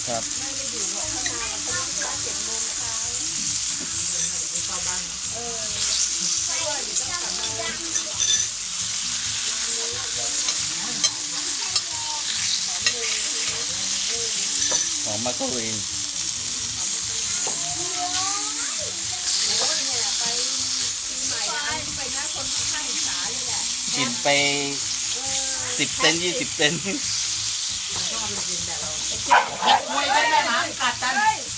ครับของมาโกเองกินไป10 เซน20 เซนมวยกันแม่หมากัดกัน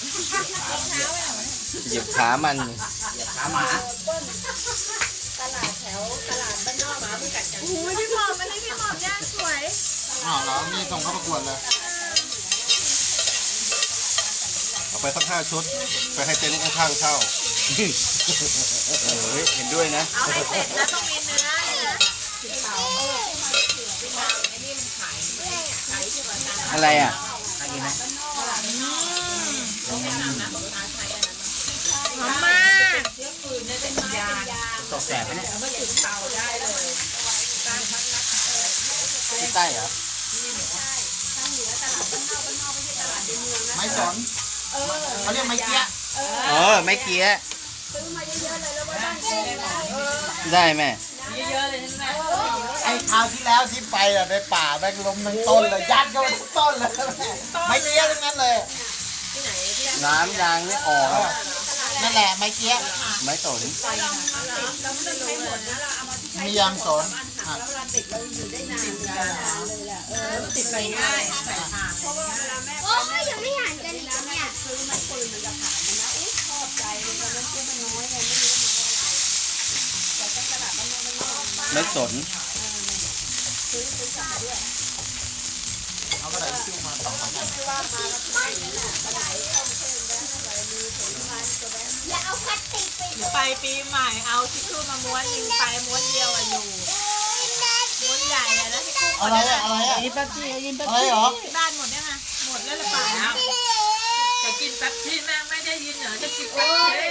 เหยียบขามันขาหมาตลาดแถวตลาดบ้านนอกหมาไม่กัดกันโอ้ยพี่หมอมมันให้พี่หมอมย่างสวยอ้าวแล้วนี่ส่งเข้าประกวดเลยเอาไปสัก5 ชุดไปให้เจ๊นุ๊กข้างๆเช่าเห็นด้วยนะเอาให้เสร็จแล้วต้องมีเนื้อนะอะไรอ่ะหอมมากตกแสบไหมเนี่ยที่ใต้เหรอไม้สนเขาเรียกไม้เกี้ยไม่เกี้ยได้แม่ไอ้คราวที่แล้วที่ไปอะในป่าแบงลมทั้งต้นเลยยัดเข้าไปทุกต้นเลยไม้เกี้ยทั้งนั้นเลยน้ำยางไม่ออกนั่นแหละไม้เกี้ยไม้สนมียางสนติดไปง่ายใส่ถ่านโอ้ยยังไม่หันกันอีกเนี่ยคือไม้ปืนมันจะผ่านมันนะอุ้ยชอบใจเลยตอนนั้นซื้อมันน้อยเลยไม่รู้มันอะไรแต่ตลาดบ้านนอกไม้สนซื้อกลับมาด้วยเอากระดาษทิชชู่มา2-3 อันไม่ว่ามาแล้วไม่นั่นน่ะกระดาษต้องเพิ่มแล้วอะไรมีผลไม้ตัวแบงอย่าเอาพลาสติกไปปีใหม่เอาทิชชู่มาม้วนนึงไปม้วนเดียวอะอยู่ม้วนใหญ่อะนะที่กุ้งอะไรอะยินแป๊บซี่ยินแป๊บอะไรซี่หรอบ้านหมดได้ไหมหมดแล้วหรือเปล่าจะกินแป๊บซี่แม่ไม่ได้ยินเหรอจะกินแป๊บซี่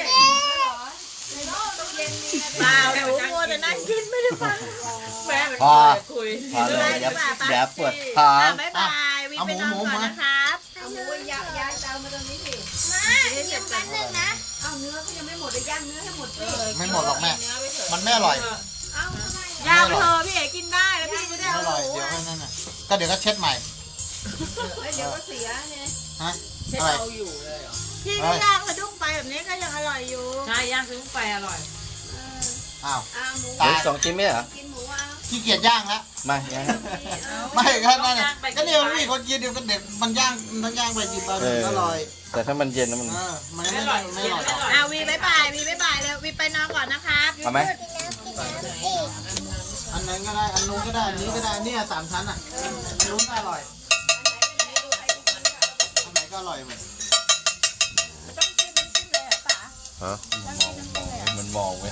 เปล่าหนูมัวแต่นั่งกินไม่ได้ฟังแม่เป็นคุยพอเลยอย่าปวดท้องบ๊ายบายวิไปนอนก่อนนะครับเอาหมูย่างเตามาตรงนี้สิมาเดี๋ยวแป๊บนึงนะเอาเนื้อก็ยังไม่หมดเลยย่างเนื้อให้หมดสิไม่หมดหรอกแม่มันไม่อร่อยย่างเธอพี่เอ๋กินได้แล้วพี่จะได้ไม่อร่อยเดี๋ยวนั่นน่ะก็เดี๋ยวก็เช็ดใหม่เดี๋ยวก็เสียเนี่ยฮะเช็ดเอาอยู่เลยเหรอพี่ก็ย่างกระดุ้งไปแบบนี้ก็ยังอร่อยอยู่ใช่ย่างซื้อไปอร่อยอ้าวตาย2 ชิ้นไหมเหรอขี้เกียจย่างแล้วมาย่างไม่ก็นั่นก็เนี่ยมันมีคนกินเดี๋ยวก็เด็กมันย่างไปกินไปอร่อยแต่ถ้ามันเย็นแล้วมันไม่อร่อยวีบ๊ายบายแล้ววีไปนอนก่อนนะครับเอาไหมอันนั้นก็ได้อันนู้นก็ได้อันนี้ก็ได้เนี่ย3 ชั้นอ่ะอันนู้นก็อร่อยอันไหนก็อร่อยหมดฮะมันมองไหม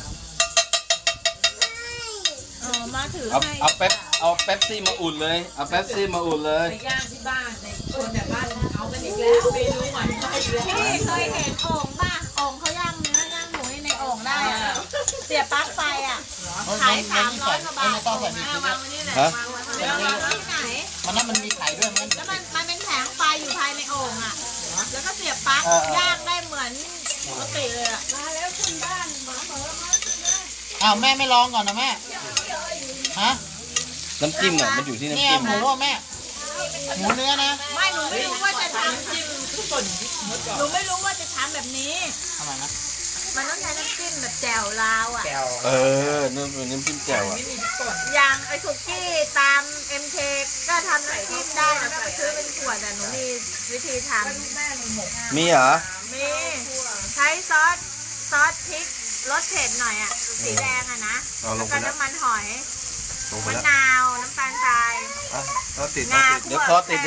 มาถือเอาเป๊ปซี่มาอุ่นเลยเอาเป๊ปซี่มาอุ่นเลยไปย่างที่บ้านในคนแบบบ้านเอากันอีกแล้วเมนูใหม่พี่เคยเห็นโอ่งป่ะโอ่งเขาย่างเนื้อย่างหมูในโอ่งได้เสียบปลั๊กไฟอ่ะขาย300 กว่าบาทไม่ต้องใส่มีวางไว้นี่แหละวางไว้ที่ไหนมันมีไข่ด้วยมั้ยแล้วมันเป็นแผงไฟอยู่ภายในโอ่งอ่ะแล้วก็เสียบปลั๊กย่างได้เหมือนปกติเลยอ่ะมาแล้วคุณบ้านมาอ้าวแม่ไม่ลองก่อนนะแม่ฮะน้ำจิ้มอ่ะมันอยู่ที่น้ำจิ้มหมูแม่หมูเนื้อนะไม่หนูไม่รู้ว่าจะทำจิ้มหนูไม่รู้ว่าจะทำแบบนี้ทำไมนะมันต้องใช้น้ำจิ้มแบบแจ่วลาวอ่ะน้ำจิ้มแจ่วอ่ะอย่างไอ้คุกกี้ตาม MK ก็ทำน้ำจิ้มได้แล้วก็ไปซื้อเป็นขวดแต่หนูมีวิธีทำมีเหรอมีใช้ซอสพริกรสเผ็ดหน่อยอ่ะสีแดงอ่ะนะแล้วก็น้ำมันหอยมะนาวน้ำตาลทรายเดี๋ยวคอติด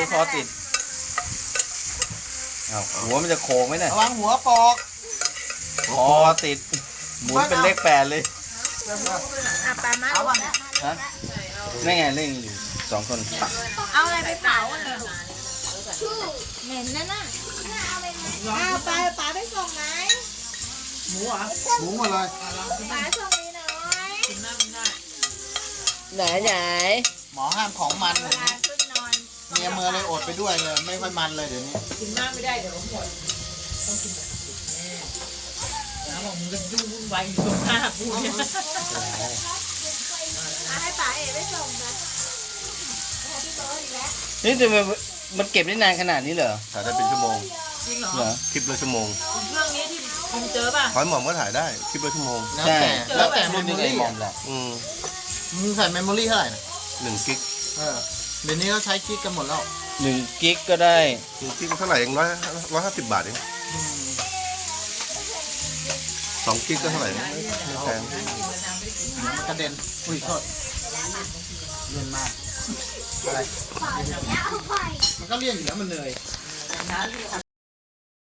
หัวมันจะโค้งไหมเนี่ยระวังหัวปอกคอติดหมุนเป็นเลข8เลยปลามาฮะนี่ไงเล่นอยู่2 คนเอาอะไรไปเผาเหม็นนั่นน่ะเอาปลาไปส่งไหมหมูหมดเลยปลาส่งนี้หน่อยไหนหมอห้ามของมันขึ้นนอนเมียเมือเลยอดไปด้วยเลยไม่ค่อยมันเลยเดี๋ยวนี้กินมากไม่ได้เดี๋ยวหมดต้องกินแบบสุดแน่แล้วบอกมึงก็ยุ่งวุ่นวายอยู่ตรงหน้ากูเนี่ยให้ป๋าเอ๋ไปส่งนะพี่โต๊ะอีกแล้วนี่แต่มันเก็บได้นานขนาดนี้เหรอถ่ายได้เป็นชั่วโมงจริงเหรอเหรอคลิปละชั่วโมงเครื่องนี้ที่คุณเจอป่ะหอยหมอมก็ถ่ายได้คลิปละชั่วโมงแล้วแต่ใช่แล้วแต่เมรุ่นมโมนี้ไอ้รี่มอมแหละมึงใส่เมมโมรี่เท่าไหร่นะ 1 กิกเดี๋ยวนี้เขาใช้กิกกันหมดแล้ว 1 กิกก็ได้ 1 กิกเท่าไหร่เอง150 บาทเอง2 กิกก็เท่าไหร่นะไม่แพงมันกระเด็นอุ้ยโทษเลี่ยนมากอะไรแล้วเอาไปมันก็เลี่ยนอยู่แล้วมันเหนื่อยน้ำที่